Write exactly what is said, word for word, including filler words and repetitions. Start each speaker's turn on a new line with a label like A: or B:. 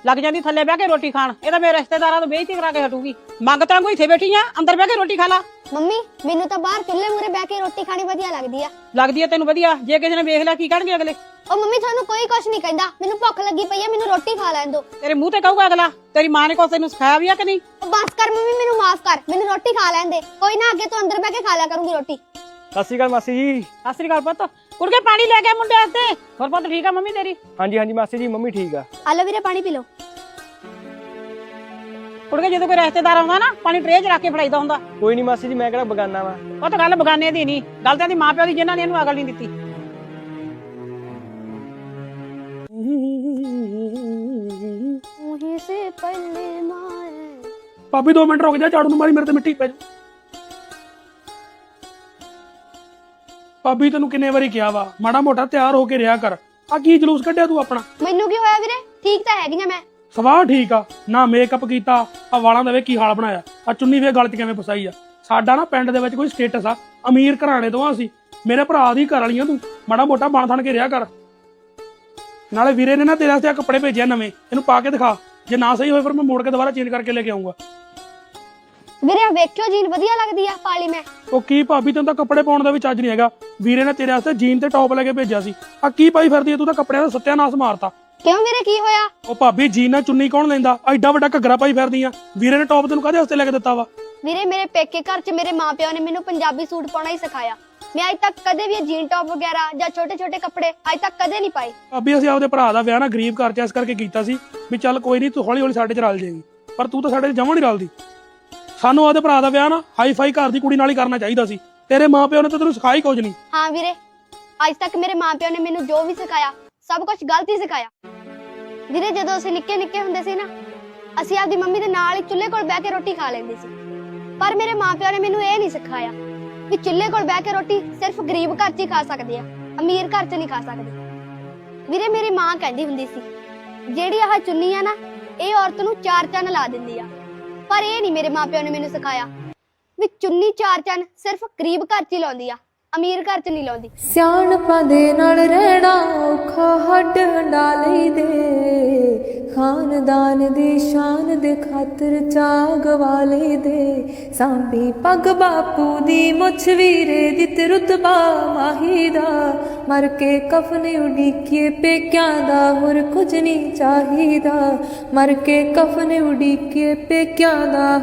A: ਲੱਗ ਜਾਂਦੀ ਥੱਲੇ ਬਹਿ ਕੇ ਰੋਟੀ ਖਾਣ। ਇਹ ਤਾਂ ਮੇਰੇ ਰਿਸ਼ਤੇਦਾਰਾਂ ਤੋਂ ਬੇਇੱਜ਼ਤੀ ਕਰਾ ਕੇ ਹਟੂਗੀ। ਮੰਗ ਤਾਂ ਕੋਈ ਇੱਥੇ ਬੈਠੀ ਆ, ਅੰਦਰ ਬਹਿ ਕੇ ਰੋਟੀ ਖਾ ਲਾ।
B: ਮੰਮੀ ਮੈਨੂੰ ਤਾਂ ਬਾਹਰ ਚੁੱਲ੍ਹੇ ਮੂਹਰੇ ਬਹਿ ਕੇ ਰੋਟੀ ਖਾਣੀ ਵਧੀਆ ਲੱਗਦੀ ਆ।
A: ਲੱਗਦੀ ਆ ਤੈਨੂੰ ਵਧੀਆ? ਜੇ ਕਿਸੇ ਨੇ ਵੇਖ ਲਿਆ ਕੀ ਕਹਿਣਗੇ ਅਗਲੇ?
B: ਉਹ ਮੰਮੀ ਤੁਹਾਨੂੰ ਕੋਈ ਕੁਛ ਨਹੀਂ ਕਹਿੰਦਾ, ਮੈਨੂੰ ਭੁੱਖ ਲੱਗੀ ਪਈ ਆ, ਮੈਨੂੰ ਰੋਟੀ ਖਾ ਲੈਣ ਦਿਓ।
A: ਤੇਰੇ ਮੂੰਹ ਤੇ ਕਹੂਗਾ ਅਗਲਾ। ਤੇਰੀ ਮਾਂ ਨੇ ਕੁਛ ਤੈਨੂੰ ਸਿਖਾਇਆ ਵੀ ਆ ਕਿ ਨਹੀਂ?
B: ਉਹ ਬਸ ਕਰ ਮੰਮੀ, ਮੈਨੂੰ ਮਾਫ ਕਰ, ਮੈਨੂੰ ਰੋਟੀ ਖਾ ਲੈਣ ਦੇ। ਕੋਈ ਨਾ, ਅੱਗੇ ਤੋਂ ਅੰਦਰ ਬਹਿ ਕੇ ਖਾ ਲਿਆ ਕਰੂੰਗੀ ਰੋਟੀ।
C: ਸਤਿ ਸ਼੍ਰੀ ਅਕਾਲ ਮਾਸੀ ਜੀ।
A: ਸਤਿ ਸ੍ਰੀ ਅਕਾਲ ਪੁੱਤ। ਕੁੜਕੇ ਪਾਣੀ ਲੈ ਕੇ ਮੁੰਡੇ ਵਾਸਤੇ। ਹੋਰ ਪੁੱਤ ਠੀਕ ਆ ਮੰਮੀ ਤੇਰੀ?
C: ਹਾਂਜੀ ਹਾਂਜੀ ਮਾਸੀ ਜੀ, ਮੰਮੀ ਠੀਕ ਆ।
B: ਆ ਲਓ ਵੀਰੇ ਪਾਣੀ ਪੀ ਲਓ।
A: ਕੁੜਕੇ ਜਦੋਂ ਕੋਈ ਰਿਸ਼ਤੇਦਾਰ ਆਉਂਦਾ ਨਾ, ਪਾਣੀ ਟਰੇ 'ਚ ਰੱਖ ਕੇ ਫੜਾਈਦਾ ਹੁੰਦਾ।
C: ਕੋਈ ਨਹੀਂ ਮਾਸੀ ਜੀ, ਮੈਂ ਕਿਹੜਾ ਬਗਾਨਾ ਵਾ।
A: ਉਹ ਤਾਂ ਗੱਲ ਬਗਾਨੇ ਦੀ ਨਹੀਂ, ਗੱਲ ਤਾਂ ਇਹਦੀ ਮਾਂ ਪਿਓ ਦੀ, ਜਿਨ੍ਹਾਂ ਨੇ ਇਹਨੂੰ ਅਕਲ ਨਹੀਂ ਦਿੱਤੀ।
D: ਭਾਬੀ ਦੋ ਮਿੰਟ ਰੁਕ ਜਾ, ਝਾੜੂ ਨੂੰ ਮਾਰੀ, ਮੇਰੇ ਤੇ ਮਿੱਟੀ ਪੈ ਜਾ। ਭਾਬੀ ਤੈਨੂੰ ਕਿੰਨੇ ਵਾਰੀ ਕਿਹਾ ਵਾ, ਮਾੜਾ ਮੋਟਾ ਤਿਆਰ ਹੋ ਕੇ ਰਿਹਾ ਕਰ। ਆ ਕੀ ਜਲੂਸ ਕੱਢਿਆ ਤੂੰ ਆਪਣਾ?
B: ਮੈਨੂੰ ਕੀ ਹੋਇਆ ਵੀਰੇ, ਠੀਕ ਤਾਂ ਹੈਗੀ ਆ ਮੈਂ।
D: ਸਵਾਹ ਠੀਕ ਆ ਨਾ, ਮੇਕਅਪ ਕੀਤਾ, ਆ ਵਾਲਾਂ ਦਾ ਵੇ ਕੀ ਹਾਲ ਬਣਾਇਆ, ਆ ਚੁੰਨੀ ਵੇ ਗਲ 'ਚ ਕਿਵੇਂ ਫਸਾਈ ਆ। ਸਾਡਾ ਨਾ ਪਿੰਡ ਦੇ ਵਿੱਚ ਕੋਈ ਸਟੇਟਸ ਆ, ਅਮੀਰ ਘਰਾਣੇ ਤੋਂ ਆ ਅਸੀਂ। ਮੇਰੇ ਭਰਾ ਦੀ ਘਰ ਵਾਲੀਆਂ ਤੂੰ, ਮਾੜਾ ਮੋਟਾ ਬਣ ਥਣ ਕੇ ਰਿਹਾ ਕਰ। ਨਾਲੇ ਵੀਰੇ ਨੇ ਨਾ ਤੇਰੇ ਵਾਸਤੇ ਆ ਕੱਪੜੇ ਭੇਜਿਆ ਨਵੇਂ, ਇਹਨੂੰ ਪਾ ਕੇ ਦਿਖਾ। ਜੇ ਨਾ ਸਹੀ ਹੋਏ ਫਿਰ ਮੈਂ ਮੋੜ ਕੇ ਦੁਬਾਰਾ ਚੇਂਜ ਕਰਕੇ ਲੈ ਕੇ ਆਉਂਗਾ।
B: ਵੀਰੇ ਵੇਖਿਓ, ਜੀਨ ਵਧੀਆ ਲੱਗਦੀ ਆ, ਪਾ ਲਈ ਮੈਂ।
D: ਉਹ ਕੀ ਭਾਬੀ, ਤੈਨੂੰ ਤਾਂ ਕੱਪੜੇ ਪਾਉਣ ਦਾ ਵੀ ਚੱਜ ਨਹੀਂ ਹੈਗਾ। ਵੀਰੇ ਨੇ ਤੇਰੇ ਵਾਸਤੇ ਜੀਨ ਤੇ ਟੌਪ ਲੈ ਕੇ ਭੇਜਿਆ ਸੀ, ਆ ਕੀ ਪਾਈ ਫਿਰਦੀ ਐ ਤੂੰ? ਤਾਂ ਕੱਪੜਿਆਂ ਦਾ ਸੱਤਿਆਨਾਸ਼ ਮਾਰਤਾ।
B: ਕਿਉਂ ਵੀਰੇ, ਕੀ ਹੋਇਆ?
D: ਉਹ ਭਾਬੀ ਜੀਨ ਨਾਲ ਚੁੰਨੀ ਕੌਣ ਲੈਂਦਾ? ਐਡਾ ਵੱਡਾ ਘੱਗਰਾ ਪਾਈ ਫਿਰਦੀ ਆ। ਵੀਰੇ ਨੇ ਟੌਪ ਤੈਨੂੰ ਕਾਹਦੇ ਵਾਸਤੇ ਲੈ ਕੇ ਦਿੱਤਾ ਵਾ?
B: ਵੀਰੇ ਮੇਰੇ ਪੇਕੇ ਘਰ 'ਚ ਮੇਰੇ ਮਾਪਿਓ ਨੇ ਮੈਨੂੰ ਪੰਜਾਬੀ ਸੂਟ ਪਾਉਣਾ ਹੀ ਸਿਖਾਇਆ। ਮੈਂ ਅੱਜ ਤੱਕ ਕਦੇ ਵੀ ਜੀਨ ਟੌਪ ਵਗੈਰਾ ਜਾਂ ਛੋਟੇ ਛੋਟੇ ਕੱਪੜੇ ਅੱਜ ਤੱਕ ਕਦੇ ਨਹੀਂ ਪਾਏ।
D: ਭਾਬੀ ਅਸੀਂ ਆਪਦੇ ਭਰਾ ਦਾ ਵਿਆਹ ਨਾ ਗਰੀਬ ਘਰ 'ਚ ਇਸ ਕਰਕੇ ਕੀਤਾ ਸੀ ਵੀ ਚੱਲ ਕੋਈ ਨਹੀਂ, ਤੂੰ ਹੌਲੀ ਹੌਲੀ ਸਾਡੇ 'ਚ ਰਲ ਜਾਏਗੀ। ਪਰ ਤੂੰ ਤਾਂ ਸਾਡੇ 'ਚ ਜਮਾਂ ਨਹੀਂ ਰਲਦੀ। ਸਾਨੂੰ ਆਪਦੇ ਭਰਾ ਦਾ ਵਿਆਹ ਨਾ ਹਾਈ ਫਾਈ ਘਰ ਦੀ ਕੁੜੀ ਨਾਲ ਹੀ ਕਰਨਾ ਚਾਹੀਦਾ ਸੀ। ਤੇਰੇ ਮਾਪਿਓ ਨੇ ਤਾਂ ਤੈਨੂੰ ਸਿਖਾਈ ਕੁਝ ਨਹੀਂ।
B: ਹਾਂ ਵੀਰੇ, ਅੱਜ ਤੱਕ ਮੇਰੇ ਮਾਪਿਓ ਨੇ ਮੈਨੂੰ ਜੋ ਵੀ ਸਿਖਾਇਆ ਸਭ ਕੁਝ ਗਲਤ ਹੀ ਸਿਖਾਇਆ। ਵੀਰੇ ਜਦੋਂ ਅਸੀਂ ਨਿੱਕੇ ਨਿੱਕੇ ਹੁੰਦੇ ਸੀ ਨਾ, ਅਸੀਂ ਆਪਦੀ ਮੰਮੀ ਦੇ ਨਾਲ ਹੀ ਚੁੱਲ੍ਹੇ ਕੋਲ ਬਹਿ ਕੇ ਰੋਟੀ ਖਾ ਲੈਂਦੇ ਸੀ। ਪਰ ਮੇਰੇ ਮਾਪਿਓ ਨੇ ਮੈਨੂੰ ਇਹ ਨਹੀਂ ਸਿਖਾਇਆ ਵੀ ਚੁੱਲ੍ਹੇ ਕੋਲ ਬਹਿ ਕੇ ਰੋਟੀ ਸਿਰਫ ਗਰੀਬ ਘਰ 'ਚ ਹੀ ਖਾ ਸਕਦੇ ਆ, ਅਮੀਰ ਘਰ 'ਚ ਨਹੀਂ ਖਾ ਸਕਦੇ। ਵੀਰੇ ਮੇਰੀ ਮਾਂ ਕਹਿੰਦੀ ਹੁੰਦੀ ਸੀ, ਜਿਹੜੀ ਆਹ ਚੁੰਨੀ ਆ ਨਾ, ਇਹ ਔਰਤ ਨੂੰ ਚਾਰ ਚੰਨ ਲਾ ਦਿੰਦੀ ਆ। ਪਰ ਇਹ ਨਹੀਂ ਮੇਰੇ ਮਾਪਿਓ ਨੇ ਮੈਨੂੰ ਸਿਖਾਇਆ ਵੀ ਚੁੰਨੀ ਚਾਰ ਚੰਨ ਸਿਰਫ ਗਰੀਬ ਘਰ 'ਚ ਹੀ ਲਾਉਂਦੀ ਆ, ਅਮੀਰ ਘਰ 'ਚ ਨਹੀਂ ਲਾਉਂਦੀ।
E: ਸਿਆਣਪਾਂ ਦੇ ਨਾਲ ਰਹਿਣਾ ਔਖਾ, ਹੱਡ ਹੰਡਾ ਲਈ ਦੇ, ਖਾਨਦਾਨ ਦੀ ਸ਼ਾਨ ਦੇ ਖਾਤਰ ਚਾਅ ਗਵਾ ਲਈ ਦੇ। ਸਾਂਭੀ ਪੱਗ ਬਾਪੂ ਦੀ, ਮੁੱਛ ਵੀਰੇ ਦੀ, ਤੇ ਰੁਤਬਾ ਮਾਹੀ ਦਾ। ਮਰ ਕੇ ਕਫਨ ਉਡੀਕੀਏ ਪੇਕਿਆਂ ਦਾ, ਹੋਰ ਕੁਝ ਨਹੀਂ ਚਾਹੀਦਾ। ਮਰ ਕੇ ਕਫਨ ਉਡੀਕੀਏ ਪੇਕਿਆਂ ਦਾ।